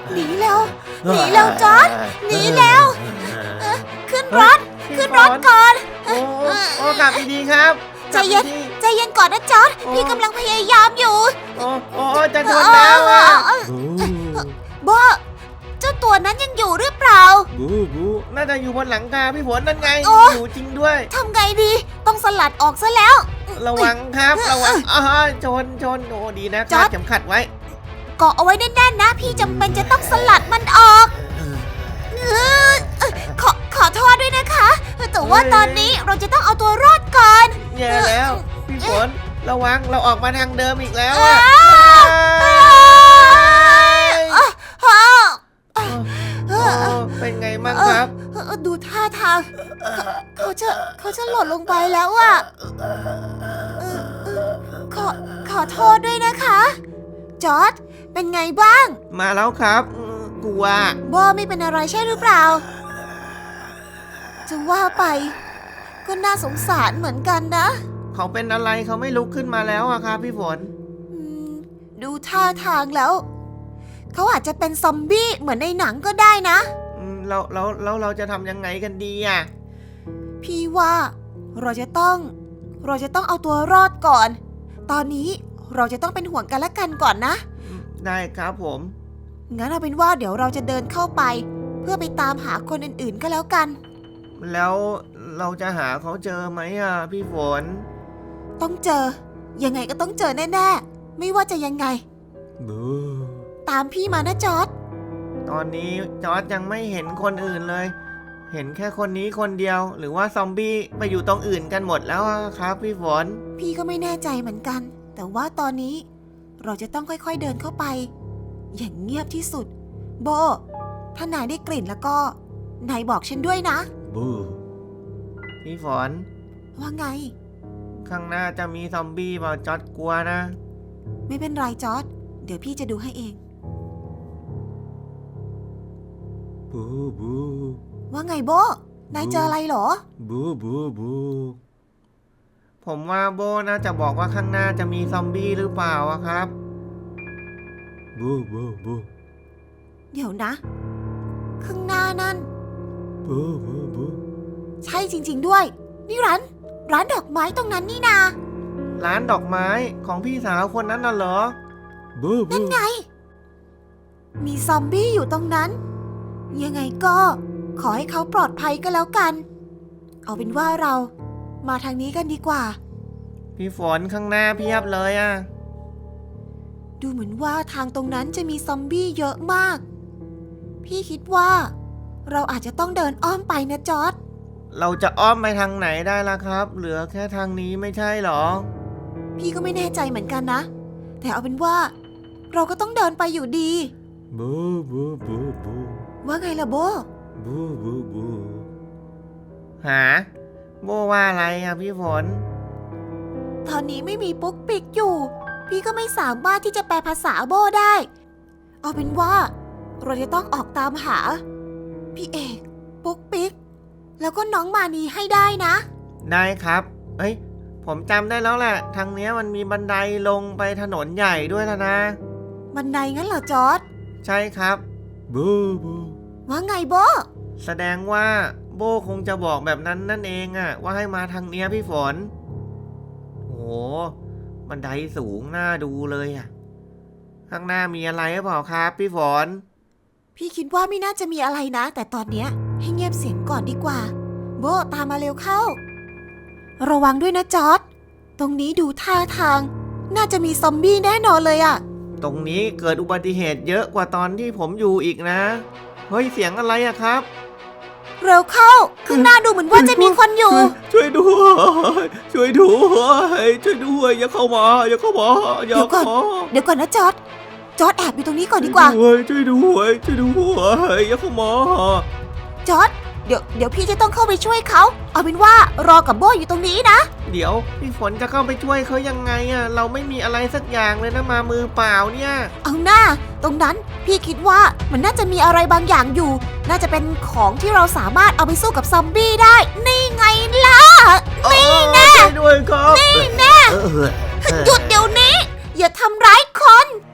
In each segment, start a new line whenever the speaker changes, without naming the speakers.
หนีเร็วจอร์จหนีเร็วขึ้นรถก่อน
โอ้กลับดีๆครับ
ใจเย็นก่อนนะจอร์จพี่กำลังพยายามอยู่
โอ้จะชนแล้วอ่ะ
โบเจ้าตัวนั้นยังอยู่หรือเปล่า
บูน่าจะอยู่บนหลังคาพี่ฝนนั่นไงอยู่จริงด้วย
ทำไงดีต้องสลัดออกซะแล้ว
ระวังครับระวังชนโอ้ดีนะคาดเข็มขัดไว้
เกาะเอาไว้แน่นๆนะพี่จำเป็นจะต้องสลัดมันออกขอโทษด้วยนะคะแต่ว่าตอนนี้เราจะต้องเอาตัวรอดก่อน
แย่แล้วพี่ฝนระวังเราออกมาทางเดิมอีกแล้วเป็นไงบ้างครับ
ดูท่าทางเขาจะหล่นลงไปแล้วอ่ะขอโทษด้วยนะคะจอร์จเป็นไงบ้าง
มาแล้วครับกลัว
โบไม่เป็นอะไรใช่หรือเปล่าจะว่าไปก็น่าสงสารเหมือนกันนะ
เขาเป็นอะไรเขาไม่ลุกขึ้นมาแล้วอะครับพี่ฝน
ดูท่าทางแล้วเขาอาจจะเป็นซอมบี้เหมือนในหนังก็ได้นะ
เราจะทำยังไงกันดีอะ
พี่ว่าเราจะต้องเอาตัวรอดก่อนตอนนี้เราจะต้องเป็นห่วงกันและกันก่อนนะ
ได้ครับผม
งั้นเอาเป็นว่าเดี๋ยวเราจะเดินเข้าไปเพื่อไปตามหาคนอื่นๆก็แล้วกัน
แล้วเราจะหาเขาเจอไหมอ่ะพี่ฝน
ต้องเจอยังไงก็ต้องเจอแน่ๆไม่ว่าจะยังไงตามพี่มานะจอร์จ
ตอนนี้จอร์จยังไม่เห็นคนอื่นเลยเห็นแค่คนนี้คนเดียวหรือว่าซอมบี้ไปอยู่ตรงอื่นกันหมดแล้วครับพี่ฝน
พี่ก็ไม่แน่ใจเหมือนกันแต่ว่าตอนนี้เราจะต้องค่อยๆเดินเข้าไปอย่างเงียบที่สุดโบถ้านายได้กลิ่นแล้วก็นายบอกฉันด้วยนะ
พี่ฝน
ว่าไง
ข้างหน้าจะมีซอมบี้เปล่าจอร์จกลัวนะ
ไม่เป็นไรจอร์จเดี๋ยวพี่จะดูให้เอง
บู
ว่าไงโบนายเจออะไรเหรอ
บูผมว่าโบน่าจะบอกว่าข้างหน้าจะมีซอมบี้หรือเปล่าครับบู
เดี๋ยวนะข้างหน้านั่น
บู
ใช่จริงๆด้วยนี่ร้านดอกไม้ตรงนั้นนี่นา
ร้านดอกไม้ของพี่สาวคนนั้นน่ะเหรอ
นั่นไงมีซอมบี้อยู่ตรงนั้นยังไงก็ขอให้เขาปลอดภัยก็แล้วกันเอาเป็นว่าเรามาทางนี้กันดีกว่า
พี่ฝนข้างหน้าเพียบเลยอ่ะ
ดูเหมือนว่าทางตรงนั้นจะมีซอมบี้เยอะมากพี่คิดว่าเราอาจจะต้องเดินอ้อมไปนะจอร์จ
เราจะอ้อมไปทางไหนได้ล่ะครับเหลือแค่ทางนี้ไม่ใช่หรอ
พี่ก็ไม่แน่ใจเหมือนกันนะแต่เอาเป็นว่าเราก็ต้องเดินไปอยู่ดี
บู
ว่าไงล่ะโบ
บูหาโบว่าอะไรอ่ะพี่ฝน
ตอนนี้ไม่มีปุ๊กปิ๊กอยู่พี่ก็ไม่สามารถที่จะแปลภาษาโบได้เอาเป็นว่าเราจะต้องออกตามหาพี่เอกปุ๊กปิ๊กแล้วก็น้องมานีให้ได้นะ
ได้ครับผมจำได้แล้วแหละทางนี้มันมีบันไดลงไปถนนใหญ่ด้วยนะ
บันไดงั้นเหรอจอร์จ
ใช่ครับบู
ว่าไงโบ
แสดงว่าโบคงจะบอกแบบนั้นนั่นเองอะว่าให้มาทางเนี้ยพี่ฝนโหบันไดสูงน่าดูเลยอะข้างหน้ามีอะไรหรือเปล่าครับพี่ฝน
พี่คิดว่าไม่น่าจะมีอะไรนะแต่ตอนเนี้ยให้เงียบเสียงก่อนดีกว่าโบตามมาเร็วเข้าระวังด้วยนะจอร์จตรงนี้ดูท่าทางน่าจะมีซอมบี้แน่นอนเลยอะ
ตรงนี้เกิดอุบัติเหตุเยอะกว่าตอนที่ผมอยู่อีกนะเฮ้ยเสียงอะไรอะครับ
เร็วเข้าข้างหน้าดูเหมือนว่าจะมีคนอยู่
ช่วยด้วยอย่าเข้ามาเดี๋ยว
ก่อนนะจอร์จแอบอยู่ตรงนี้ก่อนดีกว่า
ช่วยด้วยอย่าเข้ามา
จอร์จเดี๋ยวพี่จะต้องเข้าไปช่วยเขาเอาเป็นว่ารอกับโบอยู่ตรงนี้นะ
เดี๋ยวพี่ฝนจะเข้าไปช่วยเขายังไงอะเราไม่มีอะไรสักอย่างเลยนะมามือเปล่าเนี่ย
เอาหน้าตรงนั้นพี่คิดว่ามันน่าจะมีอะไรบางอย่างอยู่น่าจะเป็นของที่เราสามารถเอาไปสู้กับซอมบี้ได้นี่ไงล่ะนี่แน่
ด้วยครับ
นี่แน่หยุดเดี๋ยวนี้อย่าทำร้ายคน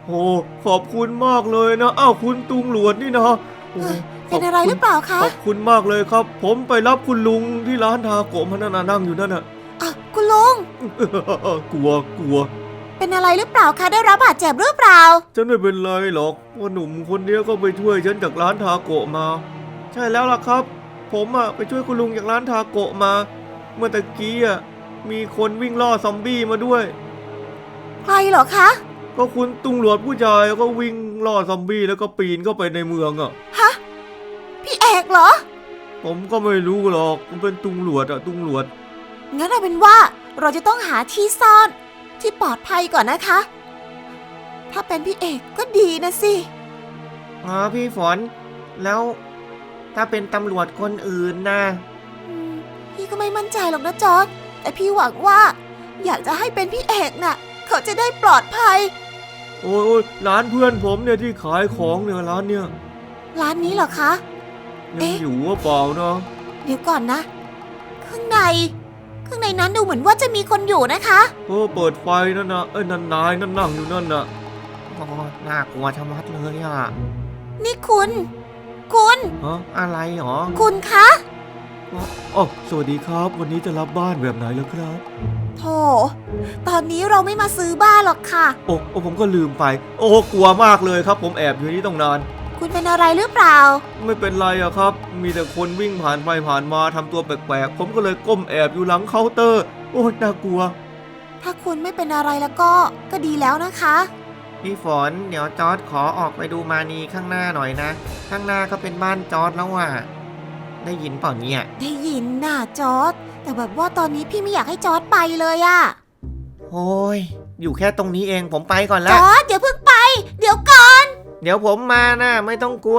โอ้ขอบคุณมากเลยนะอ้าวคุณตุงหลวดนี่นะโอ้
เป็นอะไรหรือเปล่าคะ
ขอบคุณมากเลยครับ ผมไปรับคุณลุงที่ร้านทาโกะมานั่งอยู่นั่นน่ะ
อ่ะคุณลุง
กลัว
เป็นอะไรหรือเปล่าคะได้รับบาดเจ็บหรือเปล่า
ฉันไม่เป็นไรหรอกว่าหนุ่มคนนี้ก็ไปช่วยฉันจากร้านทาโกะมา ใช่แล้วล่ะครับ ผมอะไปช่วยคุณลุงจากร้านทาโกะมา เมื่อตะกี้อะมีคนวิ่งล่อซอมบี้มาด้วย
ใครเหรอคะ
ก็คุณตุงหลวดผู้ชายก็วิ่งล่อซอมบี้แล้วก็ปีนเข้าไปในเมืองอะ
ฮะ พี่เอกเหรอ
ผมก็ไม่รู้หรอกมันเป็นตุงหลวดอะตุงหลวด
งั้นเอาเป็นว่าเราจะต้องหาที่ซ่อนที่ปลอดภัยก่อนนะคะ ถ้าเป็นพี่เอกก็ดีนะสิ
พี่ฝน แล้วถ้าเป็นตำรวจคนอื่นนะ
พี่ก็ไม่มั่นใจหรอกนะจอร์จแต่พี่หวังว่า อยากจะให้เป็นพี่เอกน่ะ เขาจะได้ปลอดภัย
โอ้ยร้านเพื่อนผมเนี่ยที่ขายของเนี่ยร้านเนี่ย
ร้านนี้เหรอคะ
ยังอยู่ว่าเปล่านะ
เดี๋ยวก่อนนะ ข้างในนั้นดูเหมือนว่าจะมีคนอยู่นะคะ
เปิดไฟนั่นนะนั่นนายนั่นนั่งอยู่นั่นน่ะน่ากลัวชะมัดเลยอ่ะ
นี่คุณ
อะไรหรอ
คุณคะ
อ๋อสวัสดีครับ วันนี้จะรับบ้านแบบไหนแล้วครับ
โธ่ตอนนี้เราไม่มาซื้อบ้านหรอกค่ะ
โอ้ผมก็ลืมไป โอ้กลัวมากเลยครับ ผมแอบอยู่นี่ต้องนาน
คุณเป็นอะไรหรือเปล่า
ไม่เป็นไรอะครับ มีแต่คนวิ่งผ่านไปผ่านมาทำตัวแปลกๆ ผมก็เลยก้มแอบอยู่หลังเคาน์เตอร์ โอ้น่ากลัว
ถ้าคุณไม่เป็นอะไรแล้วก็ดีแล้วนะคะ
พี่ฝนเดี๋ยวจอร์ดขอออกไปดูมานีข้างหน้าหน่อยนะ ข้างหน้าก็เป็นบ้านจอร์ดแล้วอ่ะ ได้ยินเปล่าเนี่ย
ได้ยินน่ะจอร์จแต่แบบว่าตอนนี้พี่ไม่อยากให้จอร์จไปเลยอะ
โอ้ย อยู่แค่ตรงนี้เองผมไปก่อน
จ
ละ
อร์จอย่าเพิ่งไป เดี๋ยวก่อน
เดี๋ยวผมมานะไม่ต้องกลัว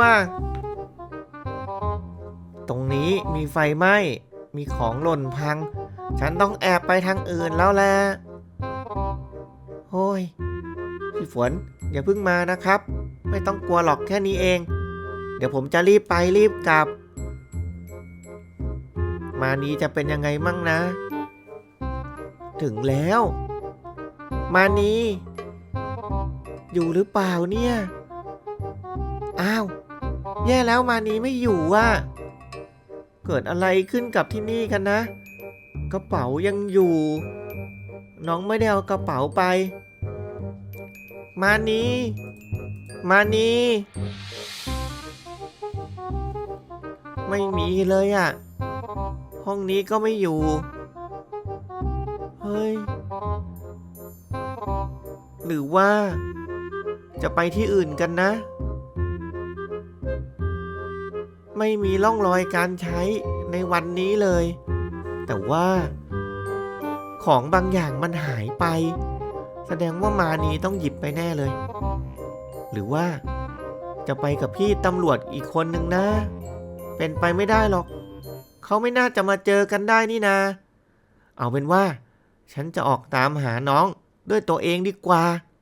ตรงนี้มีไฟไหม้ มีของหล่นพัง ฉันต้องแอบไปทางอื่นแล้วแหละโอ้ย พี่ฝนอย่าเพิ่งมานะครับ ไม่ต้องกลัวหรอกแค่นี้เอง เดี๋ยวผมจะรีบไปรีบกลับ มานี้จะเป็นยังไงมั่งนะ ถึงแล้ว มานีอยู่หรือเปล่าเนี่ย อ้าว แย่แล้วมานีไม่อยู่อ่ะ เกิดอะไรขึ้นกับที่นี่กันนะ กระเป๋ายังอยู่ น้องไม่ได้เอากระเป๋าไป มานีไม่มีเลยอ่ะ ห้องนี้ก็ไม่อยู่ เฮ้ย หรือว่า จะไปที่อื่นกันนะ ไม่มีร่องรอยการใช้ในวันนี้เลย แต่ว่า ของบางอย่างมันหายไป แสดงว่ามานีต้องหยิบไปแน่เลย หรือว่าจะไปกับพี่ตำรวจอีกคนนึงนะ เป็นไปไม่ได้หรอก เขาไม่น่าจะมาเจอกันได้นี่นา เอาเป็นว่า ฉันจะออกตามหาน้องด้วยตัวเองดีกว่า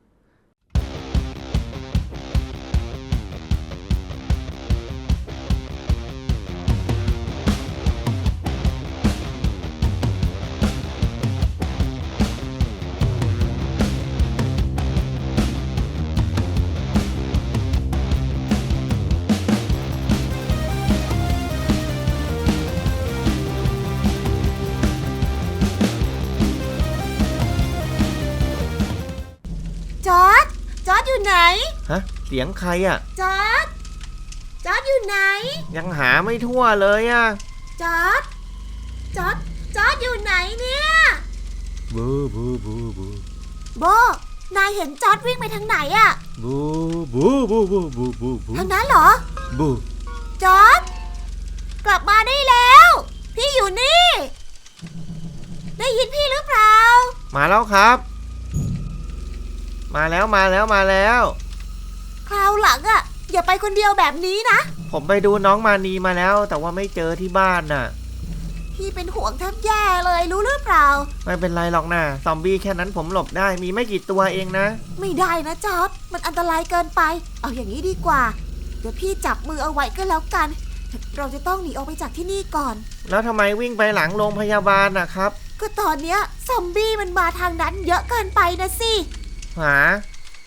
จอร์จอยู่ไหน
ฮะ เสียงใครอ่ะ
จอร์จอยู่ไหน
ยังหาไม่ทั่วเลยอ่ะ
จอร์จอยู่ไหนเนี่ย
บูบูบูบู
โบ นายเห็นจอร์จวิ่งไปทางไหนอะ
บูบูบูบูบูบูบู
ทางนั้นเหรอ
บู
จอร์จกลับมาได้แล้ว พี่อยู่นี่ ได้ยินพี่หรือเปล่า
มาแล้วครับ มาแล้ว
คราวหลังอะอย่าไปคนเดียวแบบนี้นะ
ผมไปดูน้องมานีมาแล้ว แต่ว่าไม่เจอที่บ้านน่ะ
พี่เป็นห่วงแทบแย่เลยรู้หรือเปล่า
ไม่เป็นไรหรอกนะซอมบี้แค่นั้นผมหลบได้มีไม่กี่ตัวเองนะ
ไม่ได้นะจอร์จมันอันตรายเกินไป เอาอย่างนี้ดีกว่า เดี๋ยวพี่จับมือเอาไว้ก็แล้วกัน เราจะต้องหนีออกไปจากที่นี่ก่อน
แล้วทำไมวิ่งไปหลังโรงพยาบาลนะครับ
ก็ตอนเนี้ยซอมบี้มันมาทางนั้นเยอะเกินไปนะสิ
หาโห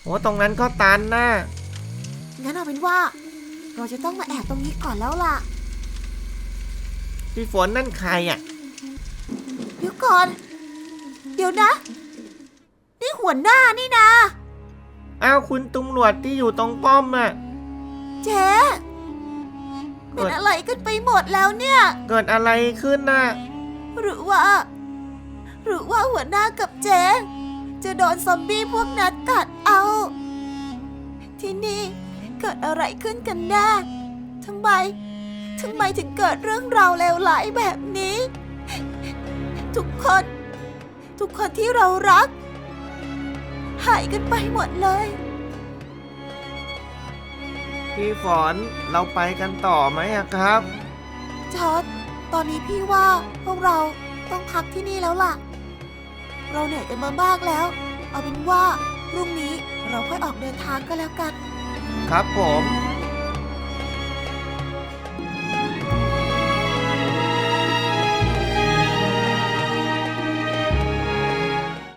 โหตรงนั้นก็ตันนะ
งั้นเอาเป็นว่า เราจะต้องมาแอบตรงนี้ก่อนแล้วล่ะ
พี่ฝนนั่นใครอ่ะ
เดี๋ยวก่อน เดี๋ยวนะ นี่หัวหน้านี่นะ
อ้าวคุณตำรวจที่อยู่ตรงป้อมอ่ะ
เจ๊เป็นอะไรกันไปหมดแล้วเนี่ย
เกิดอะไรขึ้นน่ะ
หรือว่าหัวหน้ากับเจ๊จะโดนซอมบี้พวกนั้นกัดเอา ที่นี่เกิดอะไรขึ้นกันแน่ทำไมถึงเกิดเรื่องราวเลวร้ายแบบนี้ ทุกคนที่เรารัก หายกันไปหมดเลย
พี่ฝนเราไปกันต่อไหมอะครับ
จอร์จตอนนี้พี่ว่าพวกเราต้องพักที่นี่แล้วล่ะ เราเหนื่อยกันมามากแล้ว เอาเป็นว่าพรุ่งนี้เราค่อยออกเดินทางก็แล้วกัน
ครับผม